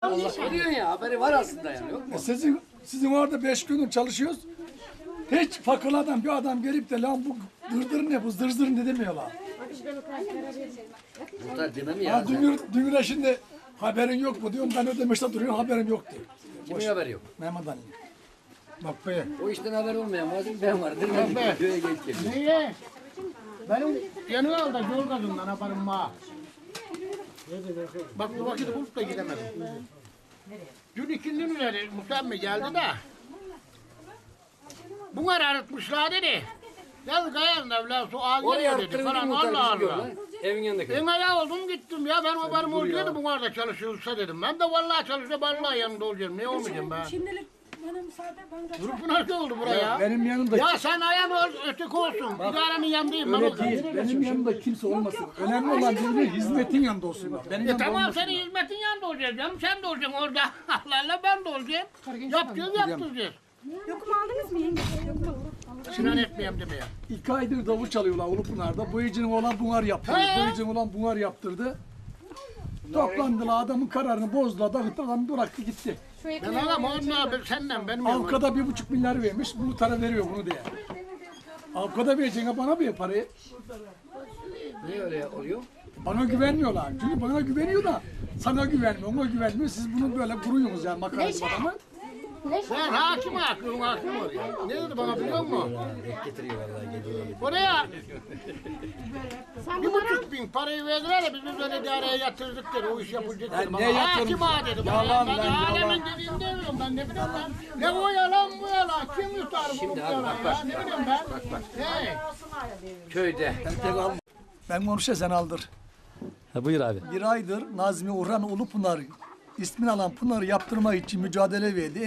Allah diyorsun ya, haberi var aslında yani, yok mu? Sizin orada 5 gündür çalışıyoruz. Hiç fakirlerden bir adam gelip de lan bu dırdır ne, bu zır ne demiyorlar. Muhtar demem ya. Dün şimdi haberin yok mu diyorum, ben ödemişte duruyorum, haberim yok diyor. Kimin haberi yok? Mehmet Ali. Bak be. O işten haber olmayan mazim ben vardır. Ben köye geç geliyorum. Niye? Benim yanı aldı yol gazından yaparım ma. Bak bu vakit bulup da gidemedim. Dün ikindinin üzeri Mustafa geldi de. Bunu arartmışlar dedi. Gel kayanın evler su ağ Oraya geliyor dedi arttırın falan muhtar Allah kızıyor Allah. lan. Evin yanındaki. Ben ayağa oldum gittim ya ben haberim olsaydı bu arada çalışıyorsa dedim. Ben de vallahi çalışıyor vallahi yanında olacağım. Ne olmayacağım ben? Şimdilik bana müsaade, ben kaçar. Grup nasıl oldu buraya? Benim yanımda Ya sen ayağın ol, öteki olsun. İdaremin yanındayım. Ben öyle değil. Benim yanımda kimse olmasın. Önemli olan birinin hizmetin yanında olsun. Benim yanımda Tamam olmasın. senin hizmetin yanında olacağız canım. Sen de olacaksın orada. Allah ben de olacağım. Yapacağız yaptıracağız. Yokum aldınız mı yenge? Yokum. Sinan etmeyeyim demeye. 2 aydır davul çalıyorlar Ulupınar'da. Bu icinin olan bunar yaptırdı. Bu icinin olan bunar yaptırdı. Toplandılar, adamın kararını bozdular. Dağıttı, adam bıraktı gitti. Ben adam onunla senden benim yanıma. Avukata 1,5 milyar vermiş, bunu tara veriyor bunu diye. Avukata vereceğine bana bir parayı. Niye öyle oluyor? Bana güvenmiyorlar. Çünkü bana güveniyor da sana güvenmiyor, ona güvenmiyor. Siz bunu böyle kuruyorsunuz yani makarası adamı. Ben hakim var ya. Ne dedi bana biliyor musun? Renk getiriyor vallahi geliyor. Oraya 1,5 bin parayı verdiler de biz böyle idareye yatırdık dedi. O iş yapılacak dedi. ne yatırım? Hakim ağa dedi. Yalan Ben lan, yalan. alemin dediğini demiyorum ben ne bileyim ben. Ne o yalan bu yalan. Kim yutar bu Şimdi abi, yalan bak, ya? bak. Ne bileyim ben. Hey. Köyde. Ben konuşa sen aldır. Ha, buyur abi. Bir aydır Nazmi Orhan Ulupınar ismini alan Pınar'ı yaptırmak için mücadele verdi.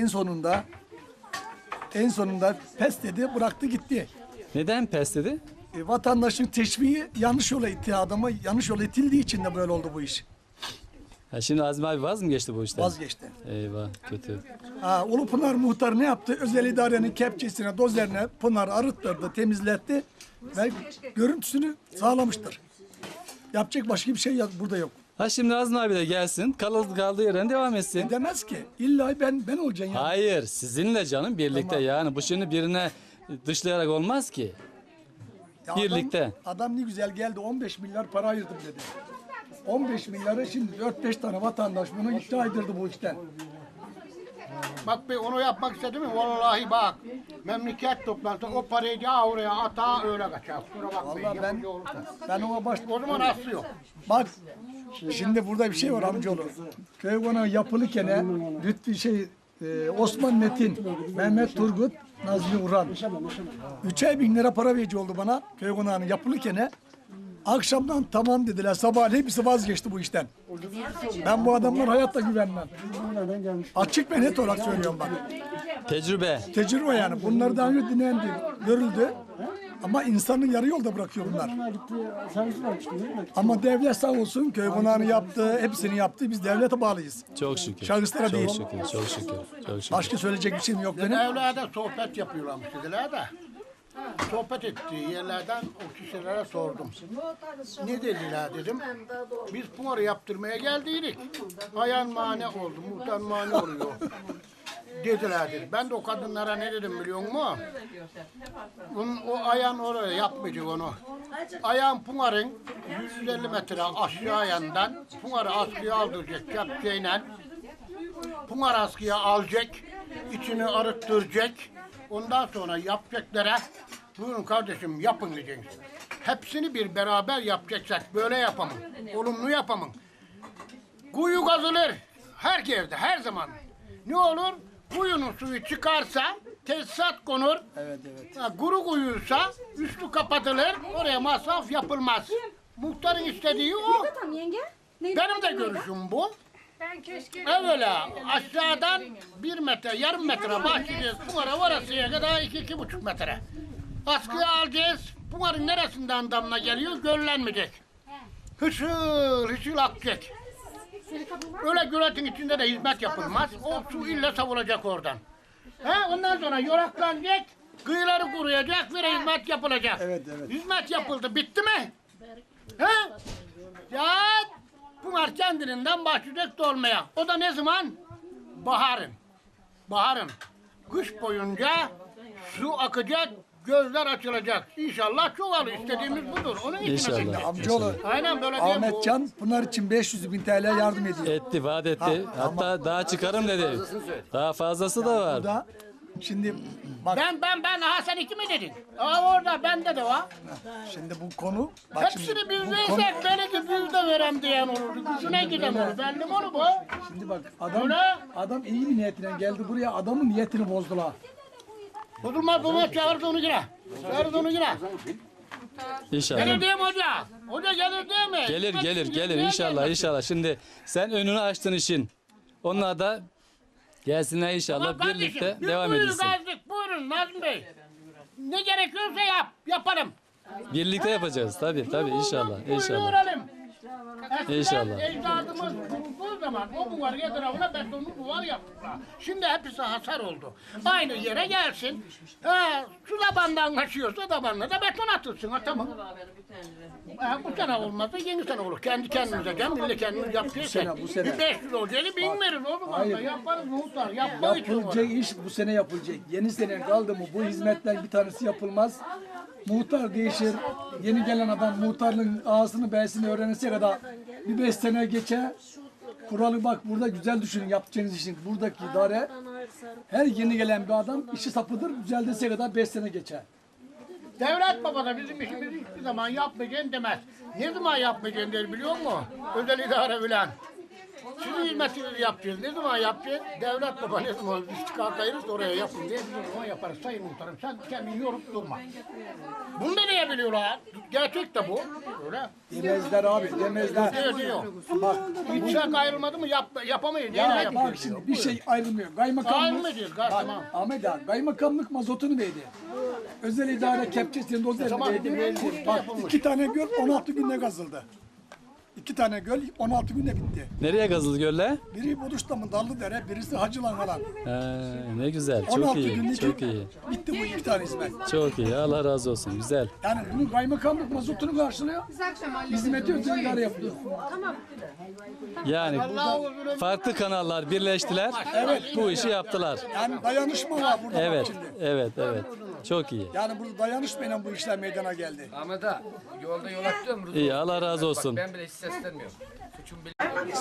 En sonunda pes dedi, bıraktı gitti. Neden pes dedi? Vatandaşın teşviği yanlış yola itti adama, yanlış yola itildiği için de böyle oldu bu iş. Ha, şimdi Azmi abi vaz mı geçti bu işten? Vazgeçti. Eyvah kötü. Ulupınar muhtarı ne yaptı? Özel idarenin kepçesine, dozerine Pınar'ı arıttırdı, temizletti ve görüntüsünü sağlamıştır. Yapacak başka bir şey burada yok. Ha şimdi Azmi abi de gelsin kaldığı yerden devam etsin. Demez ki illa ben olacağım ya. Hayır sizinle canım birlikte yani bu şimdi birine dışlayarak olmaz ki. Ya birlikte. Adam ne güzel geldi 15 milyar para ayırdım dedi. 15 milyarı şimdi 4-5 tane vatandaş bunu iddia edildi bu işten. Bak be onu yapmak istedim mi? Vallahi bak. Memleket toplantısı o parayı ya oraya ata öyle kaçar. Kusura bakmayın. Vallahi yapıcı olursa. ben ona O zaman aslı yok. bak şimdi burada bir şey var amcaoğlu. Köy konağı yapılırken Lütfi Osman Metin, Mehmet Turgut, Nazmi Urhan. 3'er bin lira para verici oldu bana köy konağının yapılırken. Akşamdan tamam dediler. Sabah hepsi vazgeçti bu işten. Ben bu adamlara hayatta güvenmem. Açık ve net olarak söylüyorum bak. Tecrübe. Tecrübe yani. Bunları daha önce dinlendi, görüldü. Ama insanı yarı yolda bırakıyor bunlar. Ama devlet sağ olsun köy konağını yaptı, hepsini yaptı. Biz devlete bağlıyız. Çok şükür. Şahıslara çok değil. Şükür, çok şükür. Çok şükür. Başka söyleyecek bir şeyim yok benim. Evlerde sohbet yapıyorlarmış dediler de. Sohbet ettiği yerlerden o kişilere sordum. Ne dediler dedim. Biz Pınar'ı yaptırmaya geldiydik. Ayan mane oldu, muhtar mane oluyor. Dediler dedi. Ben de o kadınlara ne dedim biliyor musun? O ayan oraya yapmayacak onu. Ayan Pınar'ın 150 metre aşağı yandan Pınar'ı askıya aldıracak kepçeyle. Pınar askıya alacak, içini arıttıracak. Ondan sonra yapacaklara buyurun kardeşim yapın diyeceksin. Hepsini bir beraber yapacaksak böyle yapamın. Olumlu yapamın. Kuyu kazılır. Her yerde, her zaman. Ne olur? Kuyunun suyu çıkarsa tesisat konur. Evet. Kuru kuyuysa üstü kapatılır. Oraya masraf yapılmaz. Muhtarın istediği o. Tamam yenge. Ne? Benim de görüşüm bu. Ben keşke... Evvela aşağıdan 1 metre, yarım metre başlayacağız. Pınar'a varasıya kadar 2-2,5 metre. Askıya alacağız. Pınar'ın neresinden damla geliyor? Göllenmeyecek. Hışıl akacak. Öyle göletin içinde de hizmet yapılmaz. O su illa savulacak oradan. Ondan sonra yoraklanacak. Kıyıları kuruyacak ve hizmet yapılacak. Evet. Hizmet yapıldı. Bitti mi? Ya Bunlar kendiliğinden başlayacak dolmaya. O da ne zaman? Baharın. Baharın. Kış boyunca su akacak, gözler açılacak. İnşallah çoğalır. İstediğimiz budur. Onun için İnşallah. açacak. Amcaoğlu Aynen böyle değil mi? Ahmetcan bunlar için 500.000 TL yardım ediyor. Etti, vaat etti. Hatta daha çıkarım dedi. Daha fazlası da var. Da şimdi bak Ben aha sen iki mi dedin? Aa orada bende de var. şimdi bu konu bak şimdi Hepsini biz bu konu, versek belki biz de verem diyen olurdu. Gücüne giden olur. Belli mi onu bu? şimdi bak adam Öyle. adam iyi bir niyetiyle geldi buraya adamın niyetini bozdular. Bozulmaz baba çağırdı onu yine. Çağırdı onu yine. İnşallah. Gelir değil mi hoca? Hoca gelir değil mi? Gelir inşallah inşallah. Şimdi sen önünü açtın işin. Onlar da gelsinler inşallah Tamam kardeşim, birlikte biz devam buyurun edilsin. Gazik, buyurun Nazım Bey. Ne gerekiyorsa yaparım. Birlikte yapacağız tabii inşallah inşallah. Buyuralım. İnşallah. Ecdadımız kurulduğu zaman o duvar etrafına betonlu duvar yaptılar. Şimdi hepsi hasar oldu. Aynı yere gelsin. Şu tabandan kaçıyorsa tabanına da beton atılsın. Ha, tamam. Bu sene olmazsa yeni sene olur. Kendi kendimize millet kendimiz yapacaksak. Bu sene. Bir 500 olacağını bilmeriz o zaman da yaparız muhtar. Yapmak için olur. Yapılacak iş bu sene yapılacak. Yeni sene kaldı mı bu hizmetler bir tanesi yapılmaz. Muhtar değişir. Yeni gelen adam muhtarlığın ağasını b'sini öğrenirse kadar bir 5 sene geçe. Kuralı bak burada güzel düşünün yapacağınız işin. Buradaki idare her yeni gelen bir adam işi sapıdır. Düzeldirse kadar 5 sene geçer. Devlet baba da bizim işimizi hiçbir zaman yapmayacaksın demez. Ne zaman yapmayacaksın der biliyor musun? Özel idare bilen. Sizin hizmetinizi yapacağız. Ne zaman yapacağız? Devlet baba ne zaman istikak ayırırsa oraya yapın diye biz o zaman yaparız. Sayın muhtarım sen kendini yorup durma. Bunu da niye biliyorlar? Gerçek de bu. Öyle. Demezler abi demezler. Diyor diyor. Bak, İttifak ayrılmadı mı yapamayız. ya Neyle bak yapıyoruz? şimdi bir şey ayrılmıyor. Kaymakamlık. Ayrılmayacağız. Tamam. Ahmet abi kaymakamlık mazotunu verdi. Özel idare kepçesini dozer Tamam, verdi. verdi. Bak 2 tane göl 16 günde kazıldı. 2 tane göl 16 günde bitti. Nereye kazıldı göller? Biri Boduş'tamın Dallıdere, birisi Hacılan falan. Ne güzel, 16 çok iyi, günde çok iyi. bitti bu 2 tane hizmet. Çok iyi, Allah razı olsun, güzel. Yani bunun kaymakamlık mazotunu karşılıyor. Hizmeti özel idare yapıyor. Yani burada farklı kanallar birleştiler, bu işi yaptılar. Yani dayanışma var burada bak Evet, şimdi. evet. Çok iyi. Yani burada dayanışmayla bu işler meydana geldi. Ahmet ağa, yolda yol atıyorum. Rıdvan. İyi, Allah razı olsun. Ben bile hiç seslenmiyorum. Suçum bile.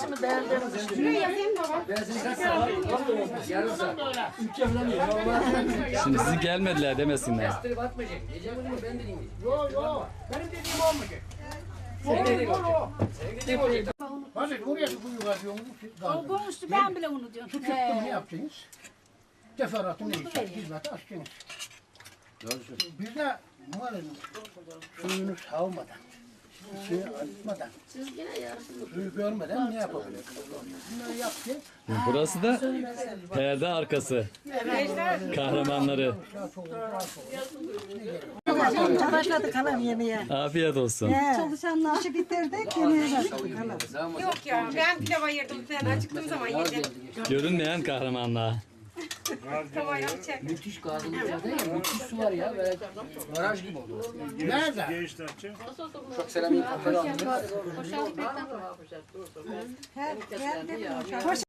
Yarın saat. Şimdi sizi gelmediler demesinler. Bastırıp atmayacak. Diyeceğim onu ben de dinleyeceğim. Yok. Benim dediğim olmayacak. Senin dediğin olacak. Senin dediğin olacak. Hadi buraya bir kuyu kazıyorsunuz. O konuştu ben bile unutuyorum. Su çıktı mı ne yapacaksınız? Teferruatı neyse hizmeti açacaksınız. Biz de malum suyunu savmadan, suyu arıtmadan, suyu görmeden ne yapabiliriz? Bunları yapacağız. Burası da perde arkası. Kahramanları. Başladık halam yemeğe. Afiyet olsun. Çalışanlar işi bitirdik yemeğe başladık halam. Yok ya ben pilav ayırdım. Sen acıktığım zaman yedim. Görünmeyen kahramanlar. Tavayı alacak. Müthiş gazımızda değil mi? Müthiş su var ya. Böyle baraj gibi oldu. Nerede? Çok selam iyi. Her geldi.